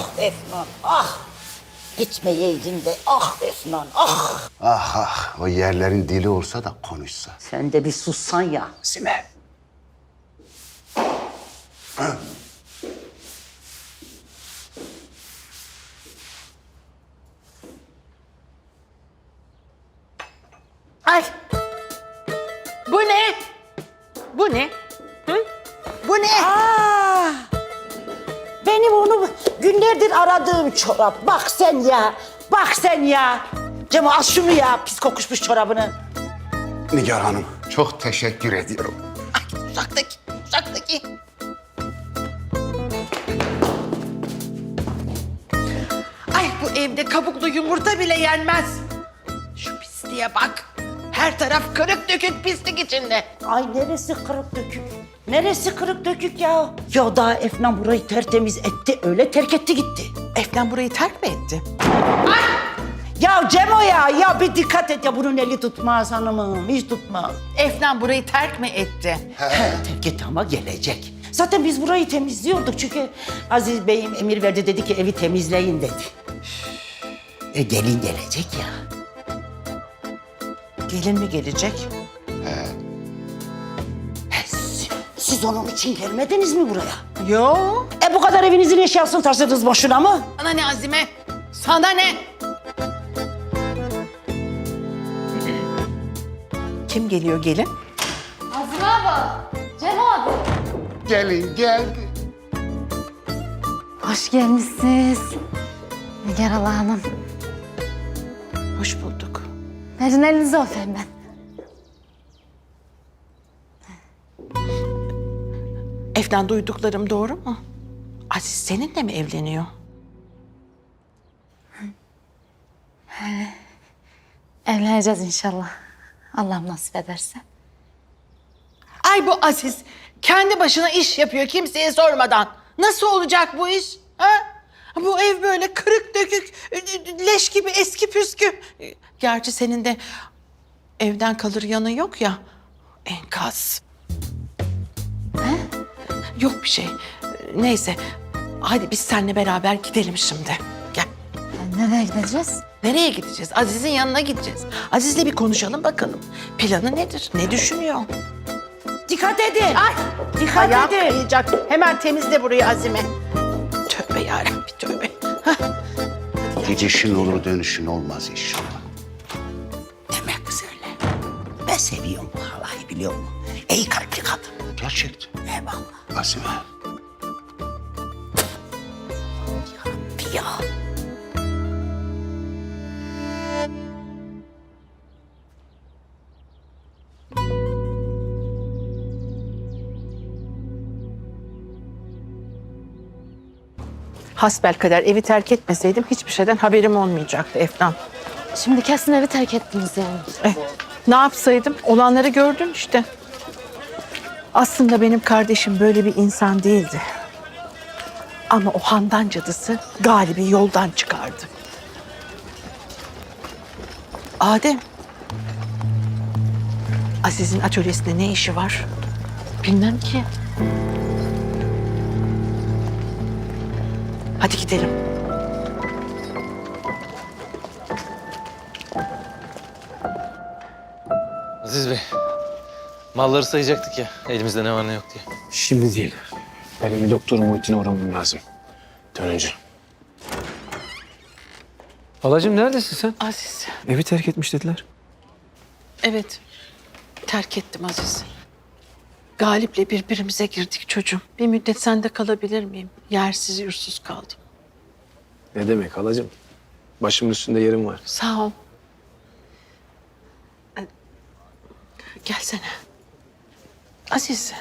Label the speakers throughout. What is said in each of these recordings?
Speaker 1: Ah Efnan, ah. Gitmeyeydin de, ah Efnan, ah.
Speaker 2: Ah ah, o yerlerin dili olsa da konuşsa.
Speaker 1: Sen de bir sussan ya.
Speaker 2: Sime.
Speaker 3: Ay. Bu ne? Bu ne? Hı? Bu ne?
Speaker 1: Benim onu günlerdir aradığım çorap. Bak sen ya, bak sen ya. Cemo al şunu ya, pis kokuşmuş çorabını.
Speaker 2: Nigar Hanım, çok teşekkür ediyorum.
Speaker 3: Ay, uzaktaki. Ay bu evde kabuklu yumurta bile yenmez. Şu pisliğe bak. Her taraf kırık dökük pislik içinde.
Speaker 1: Ay neresi kırık dökük? Neresi kırık dökük ya? Ya daha Efnan burayı tertemiz etti, öyle terk etti gitti.
Speaker 3: Efnan burayı terk mi etti?
Speaker 1: Ya Cemo ya bir dikkat et ya, bunun eli tutmaz hanımım, hiç tutmaz.
Speaker 3: Efnan burayı terk mi etti?
Speaker 1: Terk etti ama gelecek. Zaten biz burayı temizliyorduk çünkü Aziz Bey'im emir verdi, dedi ki evi temizleyin dedi. Gelin gelecek ya.
Speaker 3: Gelin mi gelecek?
Speaker 1: Siz onun için gelmediniz mi buraya?
Speaker 3: Yo.
Speaker 1: Bu kadar evinizin eşyasını taşıdınız boşuna mı?
Speaker 3: Sana ne Azime? Sana ne? Kim geliyor gelin?
Speaker 4: Azime abla, Cem abi.
Speaker 2: Gelin geldi.
Speaker 4: Hoş gelmişsiniz. Nigar Ala Hanım.
Speaker 3: Hoş bulduk.
Speaker 4: Verin elinizi öpeyim ben.
Speaker 3: Efnan duyduklarım doğru mu? Aziz seninle mi evleniyor?
Speaker 4: Evleneceğiz inşallah. Allah nasip ederse.
Speaker 3: Ay bu Aziz kendi başına iş yapıyor kimseye sormadan. Nasıl olacak bu iş? Ha? Bu ev böyle kırık dökük, leş gibi eski püskü. Gerçi senin de evden kalır yanı yok ya. Enkaz. Yok bir şey. Neyse. Hadi biz seninle beraber gidelim şimdi. Gel.
Speaker 4: Nereye gideceğiz?
Speaker 3: Nereye gideceğiz? Aziz'in yanına gideceğiz. Aziz'le bir konuşalım bakalım. Planı nedir? Ne düşünüyor?
Speaker 1: Dikkat edin.
Speaker 3: Ay!
Speaker 1: Dikkat
Speaker 3: Ayağım
Speaker 1: edin.
Speaker 3: kayacak. Hemen temizle burayı Azime. Tövbe yarabbim tövbe. Hah.
Speaker 2: Gidişin olur dönüşün olmaz inşallah.
Speaker 1: Demek kız öyle. Ben seviyorum bu halayı, biliyor musun? İyi kalpli kadın.
Speaker 2: Gerçekten.
Speaker 1: Eyvallah.
Speaker 2: Azime.
Speaker 1: Ya.
Speaker 3: Hasbelkader evi terk etmeseydim hiçbir şeyden haberim olmayacaktı Efnan.
Speaker 4: Şimdi kesin evi terk ettiniz yani.
Speaker 3: Ne yapsaydım? Olanları gördün işte. Aslında benim kardeşim böyle bir insan değildi. Ama o Handan cadısı Galip'i yoldan çıkardı. Adem. Aziz'in atölyesinde ne işi var?
Speaker 4: Bilmem ki.
Speaker 3: Hadi gidelim.
Speaker 5: Aziz Bey, malları sayacaktık ya, elimizde ne var ne yok diye.
Speaker 6: Şimdi değil. Benim bir doktor Muhittin'e uğramam lazım. Dönünce.
Speaker 5: Halacığım neredesin sen?
Speaker 3: Aziz.
Speaker 6: Evi terk etmiş dediler.
Speaker 3: Evet. Terk ettim Aziz. Galip'le birbirimize girdik çocuğum. Bir müddet sende kalabilir miyim? Yersiz yursuz kaldım.
Speaker 6: Ne demek halacığım? Başımın üstünde yerim var.
Speaker 3: Sağ ol. Gelsene. Aziz.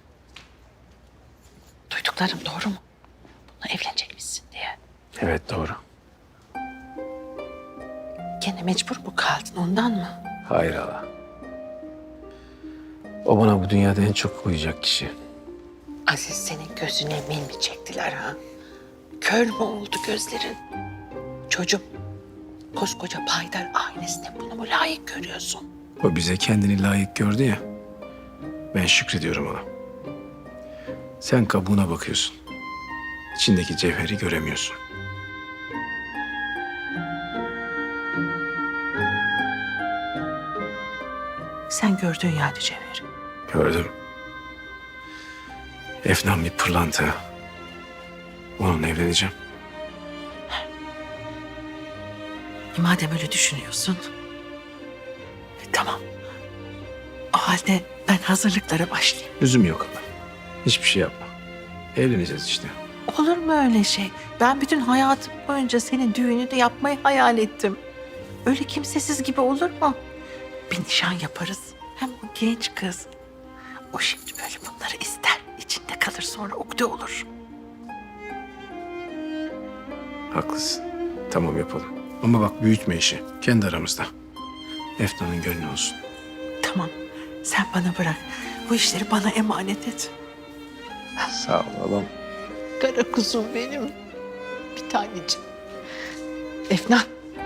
Speaker 3: Duyduklarım doğru mu? Bununla evlenecekmişsin diye.
Speaker 6: Evet doğru.
Speaker 3: Gene mecbur mu kaldın ondan mı?
Speaker 6: Hayır hala. O bana bu dünyada en çok koyacak kişi.
Speaker 3: Aziz senin gözüne min mi çektiler ha? Kör mü oldu gözlerin? Çocuğum, koskoca Paydar ailesine bunu mu layık görüyorsun?
Speaker 6: O bize kendini layık gördü ya. Ben şükrediyorum ona. Sen kabuğuna bakıyorsun. İçindeki cevheri göremiyorsun.
Speaker 3: Sen gördün yani Cevher.
Speaker 6: Gördüm. Efnan bir pırlanta. Onunla evleneceğim.
Speaker 3: Madem öyle düşünüyorsun. Tamam. O halde ben hazırlıklara başlayayım.
Speaker 6: Lüzum yok ama. Hiçbir şey yapma. Evleneceğiz işte.
Speaker 3: Olur mu öyle şey? Ben bütün hayatım boyunca senin düğününü yapmayı hayal ettim. Öyle kimsesiz gibi olur mu? Bir nişan yaparız. Hem o genç kız. O şimdi böyle bunları ister. İçinde kalır sonra ukde olur.
Speaker 6: Haklısın. Tamam yapalım. Ama bak büyütme işi. Kendi aramızda. Efnan'ın gönlü olsun.
Speaker 3: Tamam. Sen bana bırak. Bu işleri bana emanet et.
Speaker 6: Sağ ol oğlum.
Speaker 3: Kara kuzum benim. Bir tanecik. Efnan.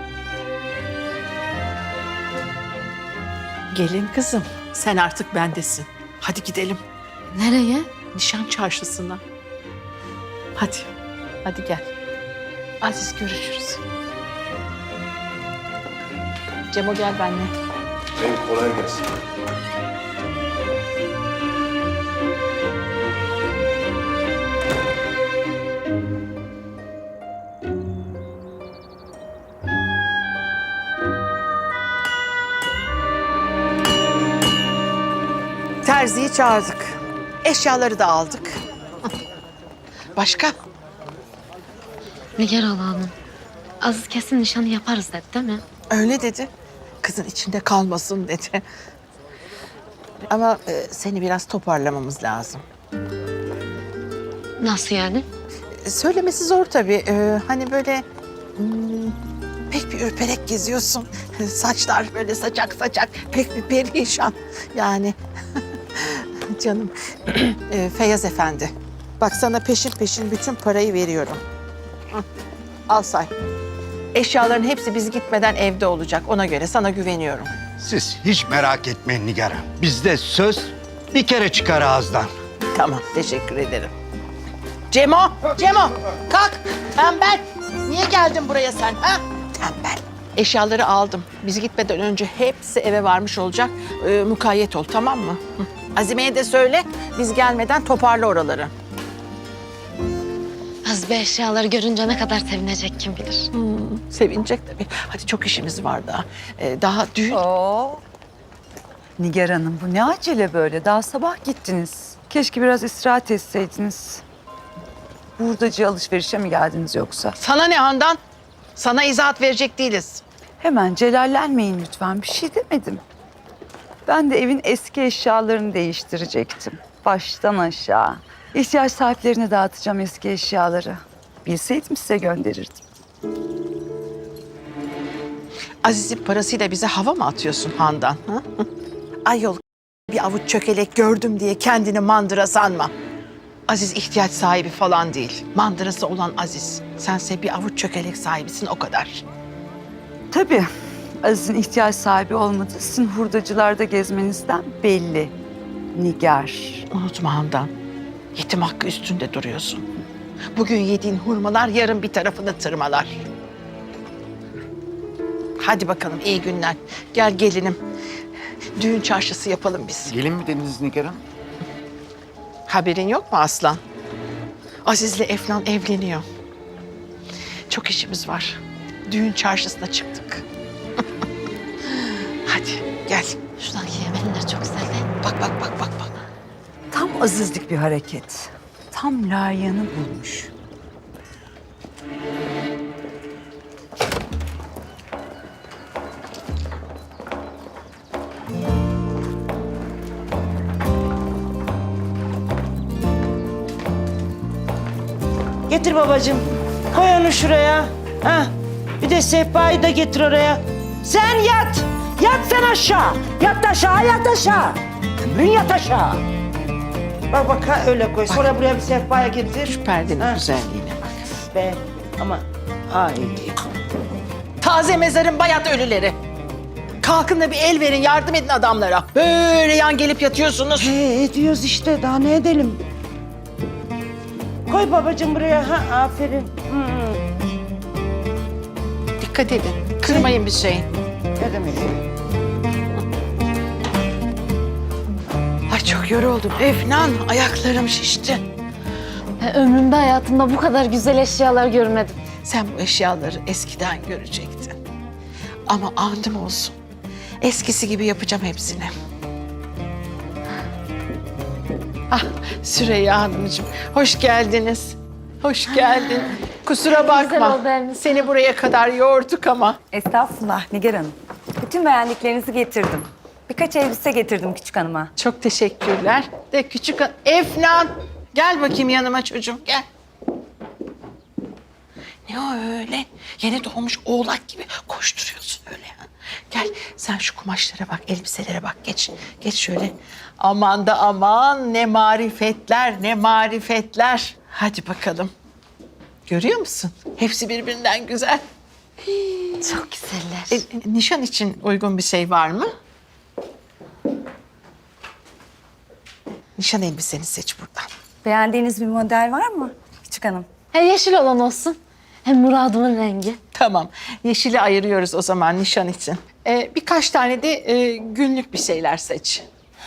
Speaker 3: Gelin kızım. Sen artık bendesin. Hadi gidelim.
Speaker 4: Nereye?
Speaker 3: Nişan çarşısına. Hadi. Hadi gel. Aziz görüşürüz. Cemo gel benimle.
Speaker 6: Kolay gelsin.
Speaker 3: Terziyi çağırdık. Eşyaları da aldık. Başka?
Speaker 4: Nigar Hala Hanım. Aziz kesin nişanı yaparız dedi değil mi?
Speaker 3: Öyle dedi. Kızın içinde kalmasın dedi. Ama seni biraz toparlamamız lazım.
Speaker 4: Nasıl yani?
Speaker 3: Söylemesi zor tabii. Hani böyle pek bir ürperek geziyorsun. Saçlar böyle saçak saçak. Pek bir perişan. Yani canım Feyyaz Efendi. Bak sana peşin peşin bütün parayı veriyorum. Hı, al say. Eşyaların hepsi biz gitmeden evde olacak. Ona göre sana güveniyorum.
Speaker 2: Siz hiç merak etmeyin Nigar Hanım. Bizde söz bir kere çıkar ağızdan.
Speaker 3: Tamam, teşekkür ederim. Cemo, Cemo kalk. Tembel. Niye geldin buraya sen? Ha? Tembel. Eşyaları aldım. Biz gitmeden önce hepsi eve varmış olacak. Mukayyet ol, tamam mı? Hı. Azime'ye de söyle, biz gelmeden toparla oraları.
Speaker 4: Aziz Bey eşyaları görünce ne kadar sevinecek kim bilir.
Speaker 3: Sevinecek tabii. Hadi çok işimiz var daha. Daha düğün.
Speaker 7: Oo. Nigar Hanım bu ne acele böyle? Daha sabah gittiniz. Keşke biraz istirahat etseydiniz. Hurdacı alışverişe mi geldiniz yoksa?
Speaker 3: Sana ne Handan? Sana izahat verecek değiliz.
Speaker 7: Hemen celallenmeyin lütfen. Bir şey demedim. Ben de evin eski eşyalarını değiştirecektim. Baştan aşağı. İhtiyaç sahiplerine dağıtacağım eski eşyaları. Bilseydim size gönderirdim.
Speaker 3: Aziz'in parasıyla bize hava mı atıyorsun Handan? Ha? Ayol bir avuç çökelek gördüm diye kendini mandıra sanma. Aziz ihtiyaç sahibi falan değil. Mandırası olan Aziz. Sense bir avuç çökelek sahibisin o kadar.
Speaker 7: Tabii. Aziz'in ihtiyaç sahibi olmadığı sizin hurdacılarda gezmenizden belli. Nigar.
Speaker 3: Unutma Handan. Yetim hakkı üstünde duruyorsun. Bugün yediğin hurmalar yarın bir tarafını tırmalar. Hadi bakalım iyi günler. Gel gelinim. Düğün çarşısı yapalım biz.
Speaker 2: Gelin mi dediniz Nigar Hanım?
Speaker 3: Haberin yok mu Aslan? Aziz'le Efnan evleniyor. Çok işimiz var. Düğün çarşısına çıktık. Hadi gel.
Speaker 4: Şuradaki yemenler çok güzel değil mi?
Speaker 3: Bak bak bak bak bak.
Speaker 7: Tam Azizlik bir hareket. Tam layığını bulmuş.
Speaker 1: Getir babacığım. Koy onu şuraya. Ha. Bir de sehpayı da getir oraya. Sen yat. Yat sen aşağı. Yat aşağı, yat aşağı. Ömrün yat aşağı. Bak bak ha, öyle koy. Sonra buraya bir sehpaya getir.
Speaker 3: Şu perdenin
Speaker 1: Ha.
Speaker 3: güzelliğine bak.
Speaker 1: Be ama ay.
Speaker 3: Taze mezarın bayat ölüleri. Kalkın da bir el verin, yardım edin adamlara. Böyle yan gelip yatıyorsunuz.
Speaker 1: Ediyoruz işte. Daha ne edelim? Koy babacığım buraya. Ha, aferin.
Speaker 3: Dikkat edin, kırmayın bir şeyi.
Speaker 1: Ne demek?
Speaker 3: çok yoruldum. Efnan, ayaklarım şişti.
Speaker 4: Ömrümde hayatımda bu kadar güzel eşyalar görmedim.
Speaker 3: Sen bu eşyaları eskiden görecektin. Ama andım olsun. Eskisi gibi yapacağım hepsini. Ah Süreyya Hanımcığım, hoş geldiniz. Hoş geldin. Kusura bakma.
Speaker 4: oldu evimiz.
Speaker 3: Seni buraya kadar yorduk ama.
Speaker 8: Estağfurullah Nigar Hanım. Bütün beğendiklerinizi getirdim. Birkaç elbise getirdim küçük hanıma.
Speaker 3: Çok teşekkürler. De küçük Efnan, gel bakayım yanıma çocuğum, gel. Ne o öyle? Yeni doğmuş oğlak gibi koşturuyorsun öyle ya. Gel sen şu kumaşlara bak, elbiselere bak. Geç, geç şöyle. Aman da aman, ne marifetler, ne marifetler. Hadi bakalım. Görüyor musun? Hepsi birbirinden güzel.
Speaker 4: Çok güzeller.
Speaker 3: Nişan için uygun bir şey var mı? Nişan elbiseni seç buradan.
Speaker 8: Beğendiğiniz bir model var mı küçük hanım?
Speaker 4: Yeşil olan olsun. Hem muradımın rengi.
Speaker 3: Tamam. Yeşili ayırıyoruz o zaman nişan için. Birkaç tane de günlük bir şeyler seç.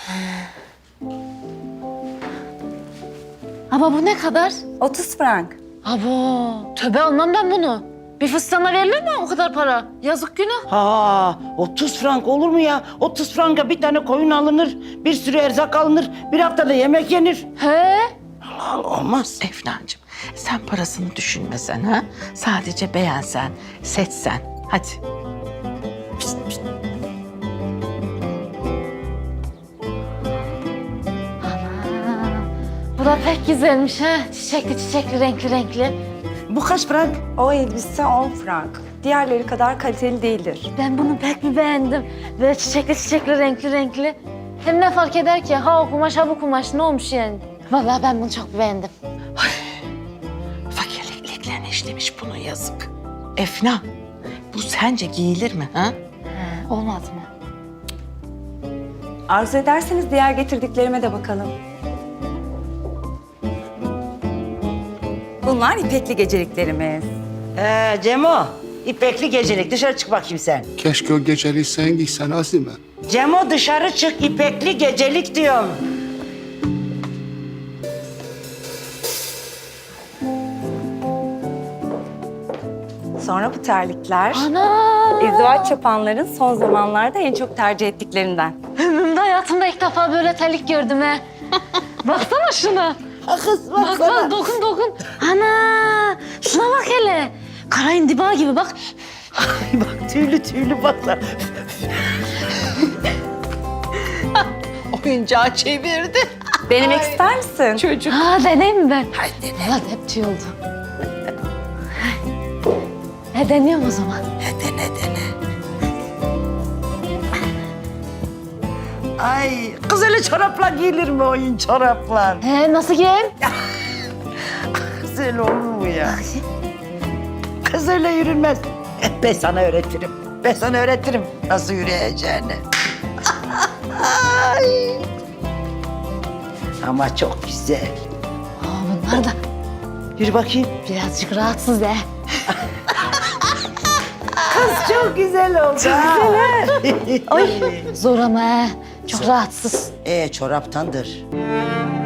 Speaker 4: Ama bu ne kadar?
Speaker 8: 30 frank.
Speaker 4: Abo, tövbe almam ben bunu. Bir fıstığına verilir mi o kadar para? Yazık günah.
Speaker 1: Ha, 30 frank olur mu ya? 30 franka bir tane koyun alınır, bir sürü erzak alınır, bir haftada yemek yenir.
Speaker 4: He?
Speaker 1: Olmaz.
Speaker 3: Efnancığım sen parasını düşünmesen ha. Sadece beğensen, seçsen. Hadi. Pişt, pişt.
Speaker 4: Bu da pek güzelmiş ha. Çiçekli çiçekli, renkli renkli.
Speaker 1: Bu kaç frank?
Speaker 8: O elbise 10 frank. Diğerleri kadar kaliteli değildir.
Speaker 4: Ben bunu pek bir beğendim. Böyle çiçekli çiçekli, renkli renkli. Hem ne fark eder ki? Ha o kumaş, ha bu kumaş. Ne olmuş yani? Vallahi ben bunu çok beğendim.
Speaker 3: Fakirlik iliklerine işlemiş bunun yazık. Efna, bu sence giyilir mi ha?
Speaker 4: Olmaz mı?
Speaker 8: Arzu ederseniz diğer getirdiklerime de bakalım. Bunlar ipekli geceliklerimiz.
Speaker 1: Cemo, ipekli gecelik. Dışarı çık bakayım sen.
Speaker 9: Keşke o geceliği sen giysen Azime.
Speaker 1: Cemo dışarı çık, ipekli gecelik diyorum.
Speaker 8: Sonra bu terlikler.
Speaker 4: Ana!
Speaker 8: İzdivaç yapanların son zamanlarda en çok tercih ettiklerinden.
Speaker 4: Ömrümde hayatımda ilk defa böyle terlik gördüm ha. Baksana şuna.
Speaker 1: Ha kız
Speaker 4: Bak bak dokun dokun. Ana! Şuna bak hele. Kara indiba gibi bak.
Speaker 1: Bak tüylü tüylü bakla.
Speaker 3: Oyuncağı çevirdi.
Speaker 8: Denemek ister misin?
Speaker 3: Çocuk.
Speaker 4: Ha deneyeyim mi ben? Hadi dene. Hadi hep tüy oldu. Deniyorum o zaman.
Speaker 1: Ay kız öyle çorapla giyilir mi oyun çoraplar?
Speaker 4: Nasıl giyeyim?
Speaker 1: Kız öyle olur mu ya? Kız öyle yürünmez. Ben sana öğretirim. Ben sana öğretirim nasıl yürüyeceğini. Ay. Ama çok güzel.
Speaker 4: Bunlar da
Speaker 1: Yürü bakayım.
Speaker 4: birazcık rahatsız he.
Speaker 1: Kız çok güzel oldu. Çok
Speaker 4: Ay zor ama he. Çok rahatsız.
Speaker 1: çoraptandır.